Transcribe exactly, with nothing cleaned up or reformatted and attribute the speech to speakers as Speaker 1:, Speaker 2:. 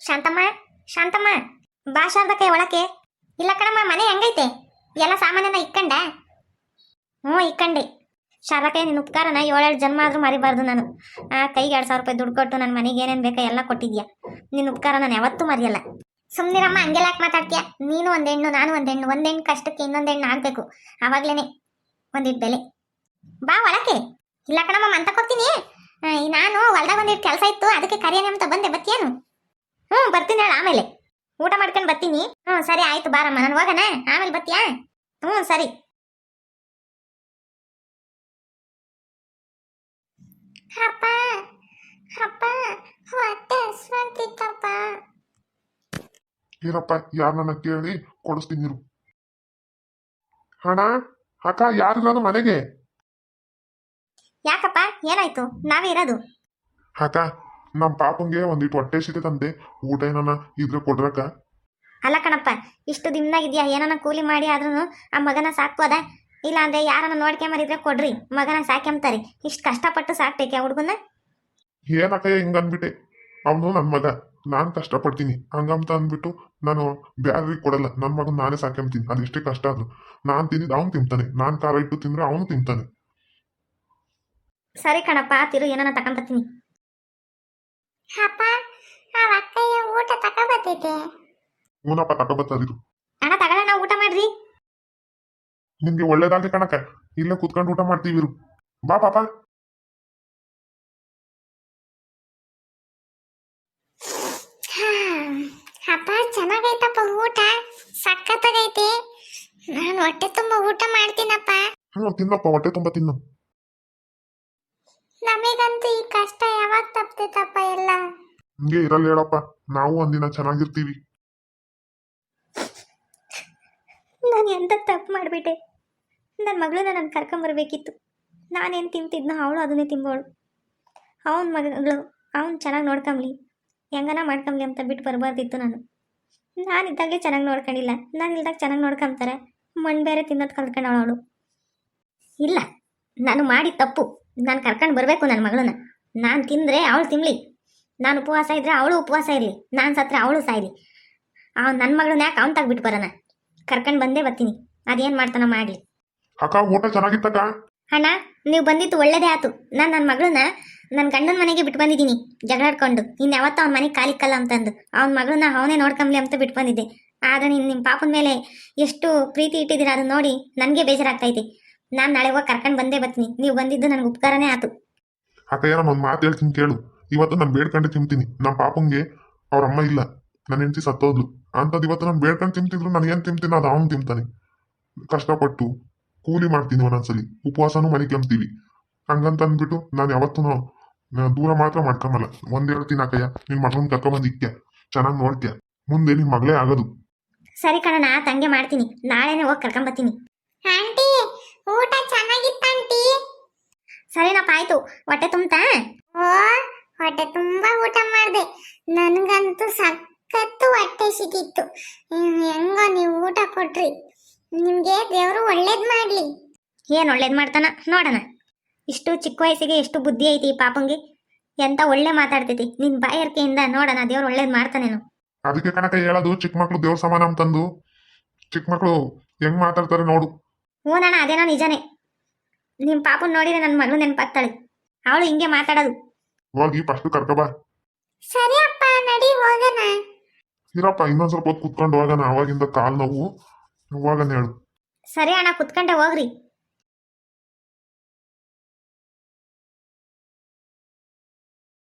Speaker 1: ಶಾಂತಮ್ಮ, ಶಾಂತಮ್ಮ, ಬಾ ಶಾರದಕ್ಕೆ ಒಳಕ್ಕೆ. ಇಲ್ಲ ಕಣಮ್ಮ, ಮನೆ ಹೆಂಗೈತೆ? ಎಲ್ಲ ಸಾಮಾನ್ಯನ ಇಕ್ಕಂಡ? ಹ್ಞೂ ಇಕ್ಕಂಡೆ. ಶಾರದಕ್ಕೆ ನಿನ್ನ ಉಪಕಾರನ ಏಳೇಳು ಜನ್ಮ ಆದರೂ ಮರಿಬಾರ್ದು ನಾನು. ಆ ಕೈಗೆ ಎರಡು ಸಾವಿರ ರೂಪಾಯಿ ದುಡ್ಡು ಕೊಟ್ಟು ನನ್ನ ಮನೆಗೆ ಏನೇನು ಬೇಕಾ ಎಲ್ಲ ಕೊಟ್ಟಿದ್ಯಾ. ನಿನ್ನ ಉಪಕಾರ ನಾನು ಯಾವತ್ತೂ ಮರೆಯಲ್ಲ. ಸುಮ್ಮನಿರಮ್ಮ, ಹಂಗೆಲ್ಲ ಯಾಕೆ ಮಾತಾಡ್ತೀಯ? ನೀನು ಒಂದು ಹೆಣ್ಣು, ನಾನು ಒಂದು ಹೆಣ್ಣು. ಒಂದು ಹೆಣ್ಣು ಕಷ್ಟಕ್ಕೆ ಇನ್ನೊಂದು ಹೆಣ್ಣು ಆಗಬೇಕು, ಆವಾಗಲೇ ಒಂದಿಟ್ಟು ಬೆಲೆ. ಬಾ ಒಳಕ್ಕೆ. ಇಲ್ಲ ಕಣಮ್ಮ, ಮಂತಕ್ಕೆ ಹೋಗ್ತೀನಿ. ನಾನು ಹೊಲ್ದಾಗ ಒಂದಿಟ್ಟು ಕೆಲಸ ಇತ್ತು, ಅದಕ್ಕೆ ಕರಿಯನೆ ಅಂತ ಬಂದೆ. ಬತ್ತೀಯೇನು? ಹ್ಞೂ ಬರ್ತೀನಿ ಹೇಳ. ಆಮೇಲೆ ಊಟ ಮಾಡ್ಕೊಂಡು ಬರ್ತೀನಿ. ಹ್ಞೂ ಸರಿ ಆಯ್ತು, ಬಾರಮ್ಮ. ನಾನು ಹೋಗೋಣ, ಆಮೇಲೆ ಬತ್ತೀಯಾ? ಹ್ಞೂ ಸರಿ. ಅಪ್ಪ ಅಪ್ಪ, ಹೊಟ್ಟೆ ಹಸ್ವಾಗ್ತಿತ್ತಪ್ಪ.
Speaker 2: ಏನಪ್ಪ, ಯಾರನ್ನ ಕೇಳಿ ಕೊಡಿಸ್ತೀನಿ ಇರು. ಹಣ ಅಕ್ಕ, ಯಾರಿರೋದು ಮನೆಗೆ?
Speaker 1: ಯಾಕಪ್ಪ, ಏನಾಯ್ತು? ನಾವೇ ಇರೋದು.
Speaker 2: ಅಕ್ಕ, ನಮ್ಮ ಪಾಪಂಗೆ ಒಂದಿಟ್ಟು ಹೊಟ್ಟೆ ಸಿತೆ ತಂದೆ. ಊಟ ಏನನ ಇದ್ರೆ ಕೊಡ್ರಕ್ಕ.
Speaker 1: ಅಲ್ಲ ಕಣಪ್ಪ, ಇಷ್ಟು ದಿನದಾಗಿದ್ಯಾ, ಏನನ್ನ ಕೂಲಿ ಮಾಡಿ ಆದ್ರೂ ಆ ಮಗನ ಸಾಕ್ಬೋದ? ಇಲ್ಲ ಅಂದ್ರೆ ಯಾರನ್ನ ನೋಡ್ಕೊಂಬರಿದ್ರೆ ಕೊಡ್ರಿ, ಮಗನ ಸಾಕ್ಯಂತಾರೆ. ಇಷ್ಟು ಕಷ್ಟಪಟ್ಟು ಸಾಕ್ತೈತೆ ಆ ಹುಡುಗನ.
Speaker 2: ಏನಕ್ಕ ಹಿಂಗ ಅಂದ್ಬಿಟ್ಟೆ? ಅವನು ನನ್ನ ಮಗ, ನಾನು ಕಷ್ಟಪಡ್ತೀನಿ ಹಂಗಂತ ಅಂದ್ಬಿಟ್ಟು ನಾನು ಬ್ಯಾರ್ರಿಗೆ ಕೊಡಲ್ಲ. ನನ್ನ ಮಗನ ನಾನೇ ಸಾಕ್ಯಂತೀನಿ. ಅದೆಷ್ಟೇ ಕಷ್ಟ ಆದ್ರು ನಾನು ತಿಂದಿದ್ದು ಅವ್ನು ತಿಂತಾನೆ. ನಾನು ಖಾರ ಇಟ್ಟು ತಿಂದ್ರೆ ಅವನು ತಿಂತಾನೆ.
Speaker 1: ಸರಿ ಕಣಪ್ಪ, ತಿರು ಏನನ್ನ ತಕೊಂಬತ್ತೀನಿ. ಅಪ್ಪ, ಆ ಅಕ್ಕಯ್ಯ ಊಟ ತಕೊಂಬತ್ತೈತೆ.
Speaker 2: ಹೂನಪ್ಪ, ತಗೊಬತ್ತದಿರು.
Speaker 1: ಅಣ್ಣ ತಗೊಳ್ಳೋಣ, ಊಟ ಮಾಡ್ರಿ.
Speaker 2: ನಿನ್ಗೆ ಒಳ್ಳೇದಾಗ್ಲಿ ಕಣಕ್ಕ. ಇಲ್ಲೇ ಕುತ್ಕೊಂಡು ಊಟ ಮಾಡ್ತೀವಿ ಇರು. ಬಾ ಪಾಪ.
Speaker 1: ಅಪ್ಪ, ಚೆನ್ನಾಗೈತಪ್ಪ ಊಟ, ಸಖತ್ತಾಗೈತೆ. ನಾನು ಹೊಟ್ಟೆ ತುಂಬ ಊಟ ಮಾಡ್ತೀನಪ್ಪ.
Speaker 2: ಹ್ಞೂ ತಿನ್ನಪ್ಪ, ಹೊಟ್ಟೆ ತುಂಬ ತಿನ್ನು.
Speaker 1: ನಮಗಂತೂ ಈ ಕಷ್ಟ ಯಾವಾಗ ತಪ್ತೈತಪ್ಪ ಎಲ್ಲ.
Speaker 2: ಹಿಂಗೆ ಇರಲ್ಲ ಹೇಳಪ್ಪ, ನಾವು ಒಂದಿನ ಚೆನ್ನಾಗಿರ್ತೀವಿ.
Speaker 1: ನಾನು ಎಂತ ತಪ್ಪು ಮಾಡಿಬಿಟ್ಟೆ. ನನ್ನ ಮಗಳನ್ನ ನಾನು ಕರ್ಕೊಂಬರ್ಬೇಕಿತ್ತು. ನಾನೇನು ತಿಂತಿದ್ನೋ ಅವಳು ಅದನ್ನೇ ತಿಂಬೋಳು. ಅವನ ಮಗಳು ಅವನು ಚೆನ್ನಾಗಿ ನೋಡ್ಕೊಂಬ್ಲಿ, ಹೆಂಗನ ಮಾಡ್ಕೊಂಬ್ಲಿ ಅಂತ ಬಿಟ್ಟು ಬರಬಾರ್ದಿತ್ತು ನಾನು. ನಾನಿದ್ದಾಗಲೇ ಚೆನ್ನಾಗಿ ನೋಡ್ಕೊಂಡಿಲ್ಲ, ನಾನು ಇಲ್ದಾಗ ಚೆನ್ನಾಗಿ ನೋಡ್ಕೊಂತಾರೆ. ಮಣ್ಣು ಬೇರೆ ತಿನ್ನೋದು ಕಲ್ತ್ಕೊಂಡವಳು ಅವಳು. ಇಲ್ಲ, ನಾನು ಮಾಡಿ ತಪ್ಪು. ನಾನು ಕರ್ಕೊಂಡು ಬರಬೇಕು ನನ್ನ ಮಗಳನ್ನ. ನಾನು ತಿಂದರೆ ಅವಳು ತಿನ್ನಲಿ, ನಾನು ಉಪವಾಸ ಇದ್ದರೆ ಅವಳು ಉಪವಾಸ ಇರಲಿ, ನಾನು ಸತ್ತರೆ ಅವಳು ಸಾಯಲಿ. ಅವ್ನು ನನ್ನ ಮಗಳನ್ನ ಯಾಕೆ ಅವ್ನು ತೆಗ್ಬಿಟ್ಟು ಬರೋಣ? ಕರ್ಕೊಂಡು ಬಂದೇ ಬರ್ತೀನಿ, ಅದೇನು ಮಾಡ್ತಾನ ಮಾಡಲಿ.
Speaker 2: ಅಕ್ಕ, ಊಟ ಚೆನ್ನಾಗಿತ್ತಕ್ಕ.
Speaker 1: ಅಣ್ಣ, ನೀವು ಬಂದಿದ್ದು ಒಳ್ಳೇದೇ ಆಯ್ತು. ನಾನು ನನ್ನ ಮಗಳನ್ನ ನನ್ನ ಗಂಡನ ಮನೆಗೆ ಬಿಟ್ಟು ಬಂದಿದ್ದೀನಿ ಜಗಳಾಡ್ಕೊಂಡು. ಇನ್ನು ಯಾವತ್ತೂ ಅವ್ನ ಮನೆಗೆ ಕಾಲಿಕ್ಕಲ್ಲ ಅಂತಂದು ಅವ್ನ ಮಗಳನ್ನ ಅವನೇ ನೋಡ್ಕೊಂಬ್ಲಿ ಅಂತ ಬಿಟ್ಟು ಬಂದಿದ್ದೆ. ಆದರೆ ನೀನು ನಿಮ್ಮ ಪಾಪನ ಮೇಲೆ ಎಷ್ಟು ಪ್ರೀತಿ ಇಟ್ಟಿದ್ದೀರ ಅದನ್ನ ನೋಡಿ ನನಗೆ ಬೇಜಾರಾಗ್ತೈತೆ. ನಾನು ನಾಳೆ ಹೋಗಿ ಕರ್ಕೊಂಡು ಬಂದೇ ಬರ್ತೀನಿ. ನೀವು ಬಂದಿದ್ದು ನನಗೆ ಉಪಕಾರನೇ ಆಯ್ತು.
Speaker 2: ಅಕ್ಕ, ಏನೋ ಒಂದು ಮಾತು ಹೇಳ್ತೀನಿ ಕೇಳು. ಇವತ್ತು ನಾನು ಬೇಡ್ಕೊಂಡು ತಿಂತೀನಿ. ನಮ್ಮ ಪಾಪಂಗೆ ಅವ್ರ ಅಮ್ಮ ಇಲ್ಲ, ನನ್ನ ಹೆಂಡತಿ ಸತ್ತೋದ್ಲು. ಅಂಥದ್ದು ಇವತ್ತು ನಾನು ಬೇಡ್ಕೊಂಡು ತಿಂತಿದ್ರು ನಾನು ಏನು ತಿಂತೀನಿ ಅದು ಅವನು ತಿಂತಾನೆ. ಕಷ್ಟಪಟ್ಟು ಕೂಲಿ ಮಾಡ್ತೀನಿ, ಒಂದೊಂದ್ಸಲಿ ಉಪವಾಸನೂ ಮನೆ ಕೆಮ್ತೀವಿ. ಹಂಗಂತ ಅಂದ್ಬಿಟ್ಟು ನಾನು ಯಾವತ್ತೂ ದೂರ ಮಾತ್ರ ಮಾಡ್ಕೊಂಬಲ್ಲ. ಒಂದ್ ಹೇಳ್ತೀನಿ ಅಕ್ಕಯ್ಯ, ನಿನ್ ಮಗಳನ್ನ ಕರ್ಕೊಂಬಂದು ಇಕ್ಕ್ಯ, ಚೆನ್ನಾಗಿ ನೋಡ್ಕ್ಯ, ಮುಂದೆ ನಿನ್ ಮಗಳೇ ಆಗೋದು.
Speaker 1: ಸರಿ ಕಣ, ತಂಗೆ ಮಾಡ್ತೀನಿ. ನಾಳೆನೇ ಹೋಗಿ ಕರ್ಕೊಂಬತ್ತೀನಿ. ಆಂಟಿ, ಊಟ ಚೆನ್ನಾಗಿತ್ತ ಆಂಟಿ? ಸರಿನಪ್ಪ, ಆಯ್ತು. ಹೊಟ್ಟೆ ತುಂಬ್ತಾ? ಓ, ಹೊಟ್ಟೆ ತುಂಬಾ ಊಟ ಮಾಡಿದೆ. ನನಗಂತೂ ಸಖತ್ತು ಹೊಟ್ಟೆ ಸಿಕ್ಕಿತ್ತು. ಹೆಂಗೋ ನೀವು ಊಟ ಕೊಟ್ರಿ. ನಿಮಗೆ ದೇವರು ಒಳ್ಳೇದು ಮಾಡಲಿ. ಏನು ಒಳ್ಳೇದು ಮಾಡ್ತಾನ ನೋಡೋಣ. ಇಷ್ಟು ಚಿಕ್ಕ ವಯಸ್ಸಿಗೆ ಎಷ್ಟು ಬುದ್ಧಿ ಐತಿ ಈ ಪಾಪಂಗೆ. ಎಂತ ಒಳ್ಳೆ ಮಾತಾಡ್ತೈತಿ. ನಿನ್ನ ಬಾಯರ್ಕೆಯಿಂದ ನೋಡೋಣ ದೇವ್ರು ಒಳ್ಳೇದು ಮಾಡ್ತಾನೇನು.
Speaker 2: ಅದಕ್ಕೆ ಕಣಕ ಹೇಳೋದು, ಚಿಕ್ಕ ಮಕ್ಳು ದೇವ್ರ ಸಮಾನ ಅಂತಂದು. ಚಿಕ್ಕ ಮಕ್ಳು ಹೆಂಗ್ ಮಾತಾಡ್ತಾರೆ ನೋಡು.
Speaker 1: ಹೂನಣ್ಣ, ಅದೇನೋ ನಿಜಾನೇ. ನಿಮ್ಮ ಪಾಪನ್ ನೋಡಿದ್ರೆ ನನ್ನ ಮಗಳು ನೆನಪಾಗ್ತಾಳೆ. ಅವಳು ಹಿಂಗೆ ಮಾತಾಡೋದು.
Speaker 2: ಹೋಗಿ ಫಸ್ಟ್ ಕರ್ಕಬಾ.
Speaker 1: ಸರಿ ಅಪ್ಪ, ನಡಿ ಹೋಗೋಣ.
Speaker 2: ಇರಪ್ಪ, ಇನ್ನೊಂದ್ ಸ್ವಲ್ಪ ಹೊತ್ತು ಕುತ್ಕೊಂಡು ಹೋಗೋಣ. ಅವಾಗಿಂದ ಕಾಲ್ ನೋವು ಹೋಗೋಣ ಹೇಳು.
Speaker 1: ಸರಿ ಅಣ್ಣ, ಕುತ್ಕೊಂಡೆ ಹೋಗ್ರಿ.